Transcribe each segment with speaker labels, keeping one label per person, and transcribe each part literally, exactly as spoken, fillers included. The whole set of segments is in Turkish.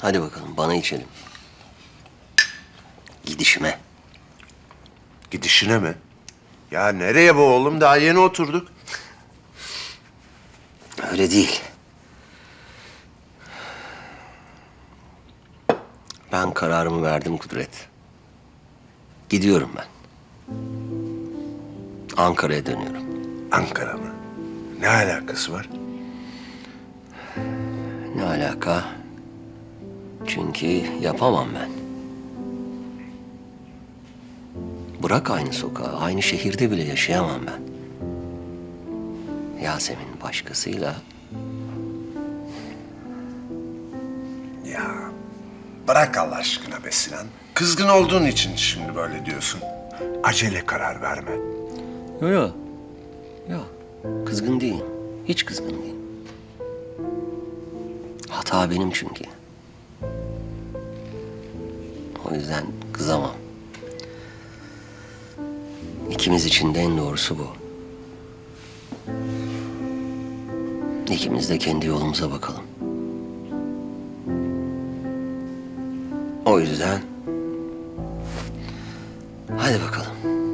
Speaker 1: Hadi bakalım bana içelim. Gidişime.
Speaker 2: Gidişine mi? Ya nereye bu oğlum? Daha yeni oturduk.
Speaker 1: Öyle değil. Ben kararımı verdim Kudret. Gidiyorum ben. Ankara'ya dönüyorum.
Speaker 2: Ankara mı? Ne alakası var?
Speaker 1: Ne alaka? Çünkü yapamam ben. Bırak aynı sokağı, aynı şehirde bile yaşayamam ben. Yasemin başkasıyla.
Speaker 2: Ya bırak Allah aşkına be Sinan. Kızgın olduğun için şimdi böyle diyorsun. Acele karar verme.
Speaker 1: Yok yok. Yok. Kızgın değilim. Hiç kızgın değilim. Hata benim çünkü. O yüzden kızamam. İkimiz için de en doğrusu bu. İkimiz de kendi yolumuza bakalım. O yüzden hadi bakalım.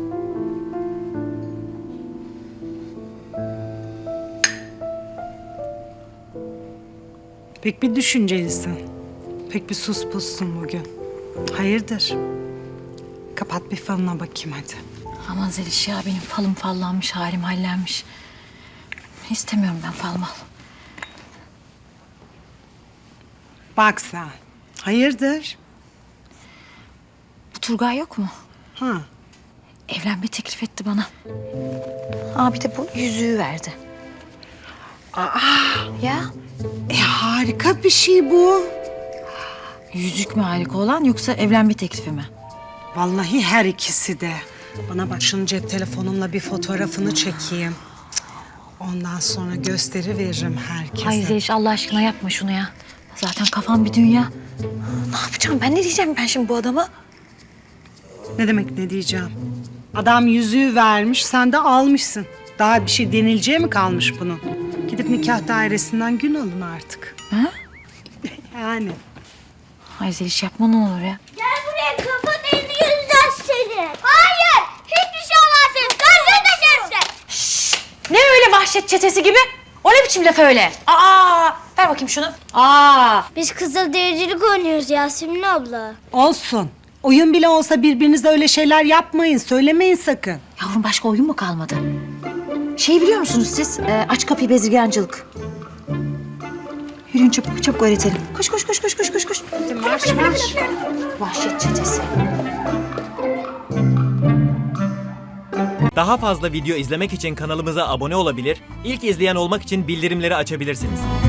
Speaker 3: Pek bir düşüncelisin. Pek bir sus pussun bugün. Hayırdır? Kapat bir falına bakayım hadi.
Speaker 4: Aman Zeliş ya, benim falım fallanmış, halim hallenmiş. İstemiyorum ben fal mal.
Speaker 3: Bak sen. Hayırdır?
Speaker 4: Bu Turgay yok mu?
Speaker 3: Ha.
Speaker 4: Evlenme teklif etti bana. Aa, bir de bu yüzüğü verdi.
Speaker 3: Aa,
Speaker 4: Ya
Speaker 3: e harika bir şey bu.
Speaker 4: yüzük mü harika olan, yoksa evlenme teklifi mi?
Speaker 3: Vallahi her ikisi de. Bana bak, şunun cep telefonumla bir fotoğrafını çekeyim. Cık, ondan sonra gösteri veririm herkese.
Speaker 4: Ay Zeliş, Allah aşkına yapma şunu ya. Zaten kafam bir dünya. Ne yapacağım ben, ne diyeceğim ben şimdi bu adama?
Speaker 3: Ne demek ne diyeceğim? Adam yüzüğü vermiş, sen de almışsın. Daha bir şey denileceği mi kalmış bunun? Gidip nikah dairesinden gün alın artık.
Speaker 4: Ha?
Speaker 3: Yani.
Speaker 4: Ay Zeliş, yapma ne olur ya.
Speaker 5: Gel buraya, kafanın elini yüzden seni. Hayır, hiçbir şey olmaz senin. Karşına taşırsın.
Speaker 4: Ne öyle vahşet çetesi gibi? O ne biçim laf öyle? Aa, ver bakayım şunu. Aa,
Speaker 5: Biz kızıldericilik oynuyoruz Yasemin abla.
Speaker 3: Olsun. Oyun bile olsa birbirinize öyle şeyler yapmayın, söylemeyin sakın.
Speaker 4: yavrum, başka oyun mu kalmadı? Şey biliyor musunuz siz? Ee, aç kapıyı bezirgancılık. Yürüyün çabuk çabuk öğretelim. Koş koş koş koş koş koş koş.
Speaker 3: Hadi marş marş.
Speaker 4: Vahşet çetesi.
Speaker 6: Daha fazla video izlemek için kanalımıza abone olabilir, ilk izleyen olmak için bildirimleri açabilirsiniz.